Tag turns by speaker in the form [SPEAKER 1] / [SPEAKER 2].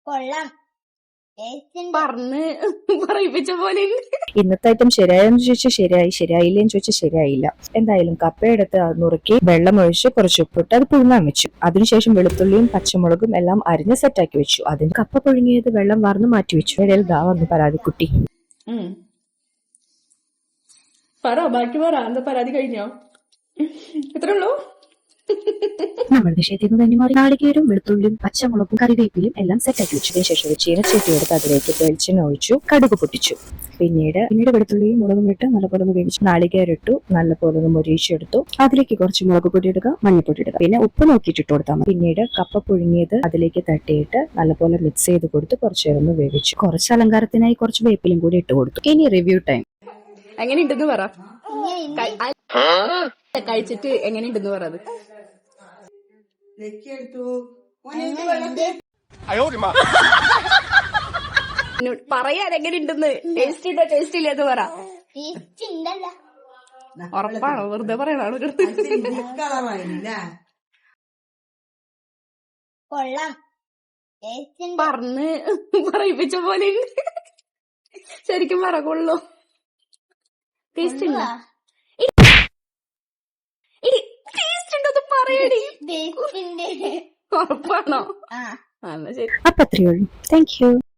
[SPEAKER 1] കൊള്ളാം.
[SPEAKER 2] പറഞ്ഞ് പറയിപ്പിച്ച പോലെ.
[SPEAKER 3] ഇന്നത്തെ ഐറ്റം ശരിയായെന്ന് ചോദിച്ചാൽ ശരിയായി, ശരിയായില്ലേന്ന് ചോദിച്ചാൽ ശരിയായില്ല. എന്തായാലും കപ്പയെടുത്ത് അത് നുറുക്കി വെള്ളമൊഴിച്ച് കുറച്ച് ഉപ്പിട്ട് അത് പുഴുങ്ങാൻ വെച്ചു. അതിനുശേഷം വെളുത്തുള്ളിയും പച്ചമുളകും എല്ലാം അരിഞ്ഞ് സെറ്റാക്കി വെച്ചു. അതിന് കപ്പ പുഴുങ്ങിയത് വെള്ളം വാർന്ന് മാറ്റി വെച്ചു. ഇടയിൽ ദാ വന്നു പരാതിക്കുട്ടി.
[SPEAKER 2] പറ ബാക്കി പറ. എന്താ പരാതി കഴിഞ്ഞോ? എത്ര ഉള്ളൂ?
[SPEAKER 3] നമ്മൾ നിഷേധിൽ നിന്ന് തന്നെ മാറി നാളികേരവും വെളുത്തുള്ളിയും പച്ചമുളകും കറിവേപ്പിലും എല്ലാം സെറ്റാക്കി വെച്ചു. അതിനുശേഷം ചീനച്ചട്ടി എടുത്ത് അതിലേക്ക് വെളിച്ചെണ്ണ ഒഴിച്ചു, കടുക് പൊട്ടിച്ചു. പിന്നീട് വെളുത്തുള്ളിയും മുളകും ഇട്ട് നല്ലപോലെ വേവിച്ചു. നാളികേരിട്ടു, നല്ലപോലെ മൊരിയിച്ചെടുത്തു. അതിലേക്ക് കുറച്ച് മുളക് പൊടി ഇടുക, മഞ്ഞൾപ്പൊടി ഇടുക, പിന്നെ ഉപ്പ് നോക്കിയിട്ട് ഇട്ട് കൊടുത്താൽ മതി. പിന്നീട് കപ്പ പുഴുങ്ങിയത് അതിലേക്ക് തട്ടിയിട്ട് നല്ലപോലെ മിക്സ് ചെയ്ത് കൊടുത്ത് കുറച്ച് നേരം വേവിച്ചു. കുറച്ച് അലങ്കാരത്തിനായി കുറച്ച് വേപ്പിലും കൂടി ഇട്ട് കൊടുത്തു. ഇനി റിവ്യൂ ടൈം.
[SPEAKER 2] എങ്ങനെയുണ്ടെന്ന് പറ. കഴിച്ചിട്ട് എങ്ങനെയുണ്ടെന്ന് പറ. പറയാൻ എങ്ങനെയുണ്ടെന്ന്. ടേസ്റ്റ് ഉണ്ടോ ടേസ്റ്റ് ഇല്ലെന്ന് പറ. ഉറപ്പാണോ? വെറുതെ പറയണോ? പറഞ്ഞ് പറയിപ്പിച്ച പോലെ. ശരിക്കും പറ. കൊള്ളോ? ടേസ്റ്റ് ഉണ്ടോ? ടേസ്റ്റ് ഉണ്ടോ പറയടി. ഉറപ്പാണോ?
[SPEAKER 3] അപ്പൊ അത്രയേ ഉള്ളൂ. Thank U.